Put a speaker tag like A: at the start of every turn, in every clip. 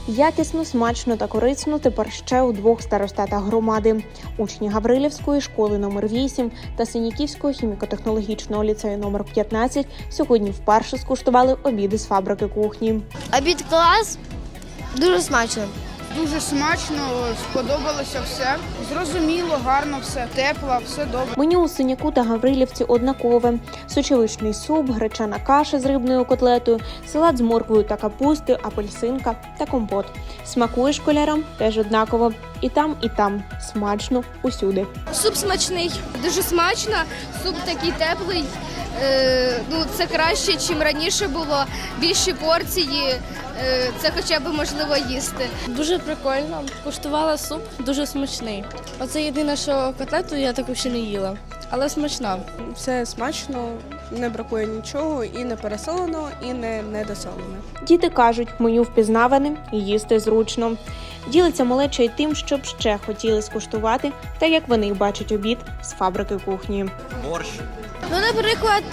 A: Якісно, смачно та корисно тепер ще у двох старостатах громади. Учні Гаврилівської школи номер 8 та Синяківського хіміко-технологічного ліцею номер 15 сьогодні вперше скуштували обіди з фабрики кухні.
B: Обід клас, дуже смачно.
C: Дуже смачно, сподобалося все. Зрозуміло, гарно все, тепло, все добре.
A: Меню у Синяку та Гаврилівці однакове. Сочевичний суп, гречана каша з рибною котлетою, салат з морквою та капустою, апельсинка та компот. Смакує школярам теж однаково. І там смачно усюди.
B: Суп смачний, дуже смачно, суп такий теплий. Це краще, ніж раніше було, більші порції, це хоча б можливо їсти.
D: Дуже прикольно, куштувала суп, дуже смачний. Оце єдине, що котлету я таку ще не їла, але смачна.
E: Все смачно, не бракує нічого, і не пересолено, і не недосолено.
A: Діти кажуть, меню впізнаване і їсти зручно. Ділиться малеча й тим, щоб ще хотіли скуштувати, та як вони бачать обід з фабрики кухні.
F: Борщ.
B: Наприклад,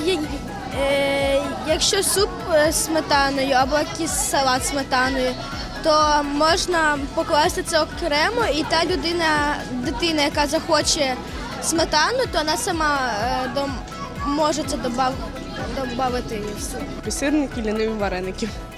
B: якщо суп з сметаною або якийсь салат з сметаною, то можна покласти це окремо, і та дитина, яка захоче сметану, то вона сама може це додати в суп.
E: Сирники, ліниві вареники.